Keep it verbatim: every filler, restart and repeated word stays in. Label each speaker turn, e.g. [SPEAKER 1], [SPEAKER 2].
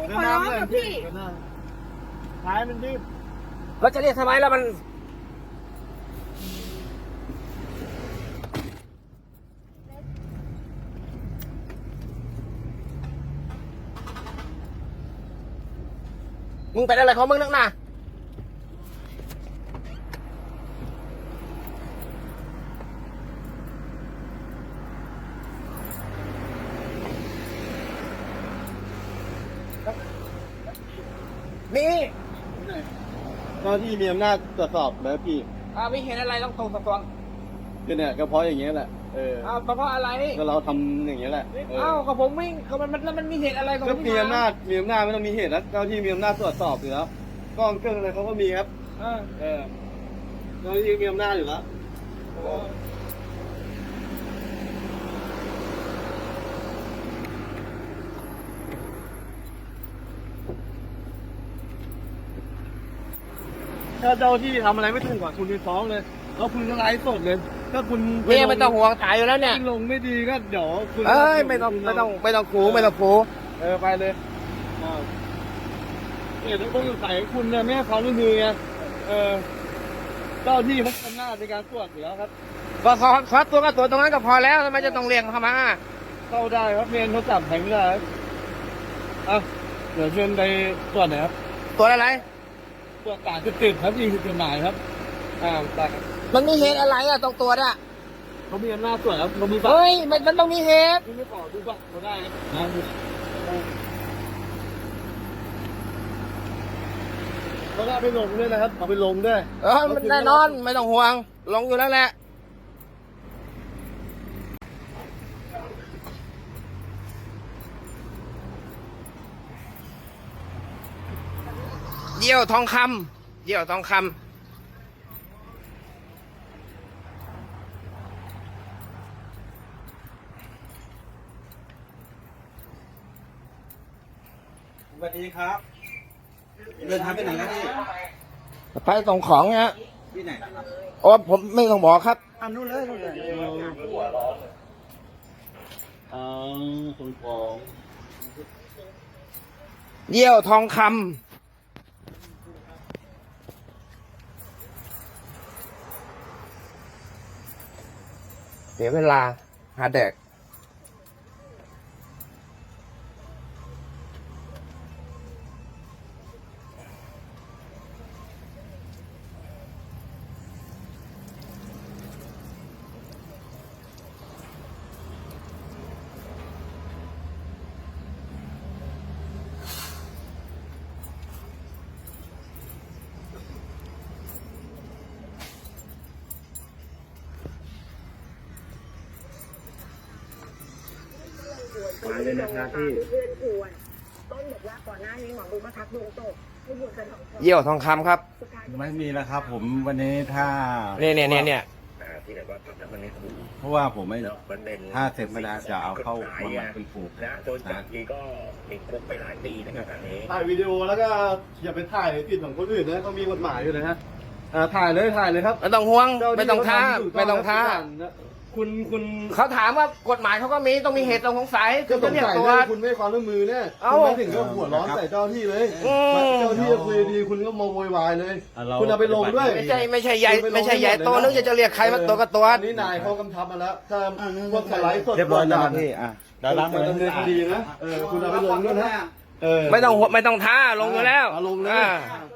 [SPEAKER 1] ขอร้องกับพี่
[SPEAKER 2] ท้ายมันดิบ
[SPEAKER 3] เราจะเรียกทำไมแล้วมันมึงเป็นอะไรของมึงนักหนานี่
[SPEAKER 2] เจ้าที่มีอำนาจตรวจสอบแล้วพี่
[SPEAKER 3] อ่าไม่เห็นอะไรต้องตรงตัว
[SPEAKER 2] ก็เนี่ยก็เพราะอย่างเงี้ยแหละเออ
[SPEAKER 3] อ้าวเพราะอะไร
[SPEAKER 2] ก็เราทำอย่างเงี้ยแหละ
[SPEAKER 3] อ้าวกับผมไม่ก็มันมันแล้วมันมีเหตุอะไรกับ
[SPEAKER 2] ก็มีอำนาจมีอำนาจไม่ต้องมีเหตุแล้วเจ้าที่มีอำนาจตรวจสอบอยู่แล้วกล้องเครื่องอะไรเขาก็มีครับ
[SPEAKER 3] เออ
[SPEAKER 2] เออเจ้าที่มีอำนาจอยู่แล้วถ้าเจ้าที่ทำอะไรไม่ถูกกว่าคุณไปฟ้องเลยแล้วคุณก็ไลฟ์สดเลยถ้าคุณ
[SPEAKER 3] เมียไม่ต้องห่วงถ่ายอยู่แล้วเนี่ย
[SPEAKER 2] ลงไม่ดีก็เดี๋ยวคุณ
[SPEAKER 3] เอ้ยไม่ต้องไม่ต้องไม่ต้องขู่ไม่ต้องขู่
[SPEAKER 2] เออไปเลยเนี่ยต้องสงสัยคุณเนี่ยไม่ให้ความร่วมมือไงเออเจ้าที่เขาทำหน้าในการตรวจอยู่แล้วครับ
[SPEAKER 3] ก็ขอขอตัวก็ตัวตรงนั้นก็พอแล้วทำไมจะต้องเรียกเขามา
[SPEAKER 2] เข้าได้ครับเมียนเขาจับแทงได้อ่ะเดี๋ยวเชิญไปตรวจหน่อยครับ
[SPEAKER 3] ตรวจอะไร
[SPEAKER 2] ตรวจสารติดครับยิงผิดกฎหมายครับอ่าได้ครับ
[SPEAKER 3] มันมีเหตุอะไรอ่ะต้องตรวจอ่ะ
[SPEAKER 2] เขามีอำนาจตรวจครับเขามี
[SPEAKER 3] เฮ้ยมันมันต้องมีเหตุ
[SPEAKER 2] ไม่ขอดูบัตรเขาได้นะเขาได้ไปลงด้วยนะครับเอาไปลงด้วย
[SPEAKER 3] เออมันแน่นอนไม่ต้องห่วงลงอยู่แล้วแหละเยี่ยวทองคำเยี่ยวทองคำ
[SPEAKER 2] สวัสดีครับเดินทางไปไหนครับพี่
[SPEAKER 3] ไปส่งของเนี้ย
[SPEAKER 2] ที่ไหนครับ
[SPEAKER 3] โอ้ผมไม่ต้องบอกครับ
[SPEAKER 2] อันนู้นเลยนู่นเลยอ๋อส่งของ
[SPEAKER 3] เยี่ยวทองคำเสียเวลาหาแดก
[SPEAKER 2] มาเลยนะครับพี่
[SPEAKER 1] ต้นบอกว่าก่อนหน้านี้หมอดูมาทักดวงตกให้บวชกันสองคน
[SPEAKER 3] เยี่ยวทองคำครับ
[SPEAKER 2] ไม่มีแล้วครับผมวันนี้ถ้า
[SPEAKER 3] เนี่ยเนี่ยเนี่ยเนี่ย
[SPEAKER 2] เพราะว่าผมไม่ถ้าเสร็จไม่ได้จะเอาเข้ามาเป็นผูก
[SPEAKER 4] นะโดนจับทีก็ติดคุกไปหลายปีนะครับอันนี้
[SPEAKER 2] ถ่ายวิดีโอแล้วก็อย่าไปถ่ายติดของคนอื่นนะเขามีกฎหมายอยู่นะฮะถ่ายเลยถ่ายเลยครับ
[SPEAKER 3] ไม่ต้องห่วงไม่ต้องท้าไม่ต้องท้า
[SPEAKER 2] คุณคุณ
[SPEAKER 3] เขาถามว่ากฎหมายเขาก็มีต้องมีเหตุต้องสงสัย
[SPEAKER 2] คือจะเรียกตัวคุณไม่ความร่วมมือเนี่ยคุณไม่ถึงก็หัวร้อนใส่เจ้าที่เลยเจ้าที่จะคุยดีคุณก็มาโวยวายเลยคุณเอาไปลงด้วย
[SPEAKER 3] ไม่ใช่ไม่ใช่ใหญ่ไม่ใช่ใหญ่โตนึกจะเรียกใครมาตัวก็ตัว
[SPEAKER 2] นี่นายเขากำชับมาแล้วถ้าพวกสไลด์สด
[SPEAKER 4] เรียบร้อยแล้วพี่อ่ะ
[SPEAKER 2] ดาราเหมือนดำเนินคดีนะเออคุณเอาไปลงด้วยนะ
[SPEAKER 3] ไม่ต้องไม่ต้องท้าลงอยู่แล้ว
[SPEAKER 2] ลงนะ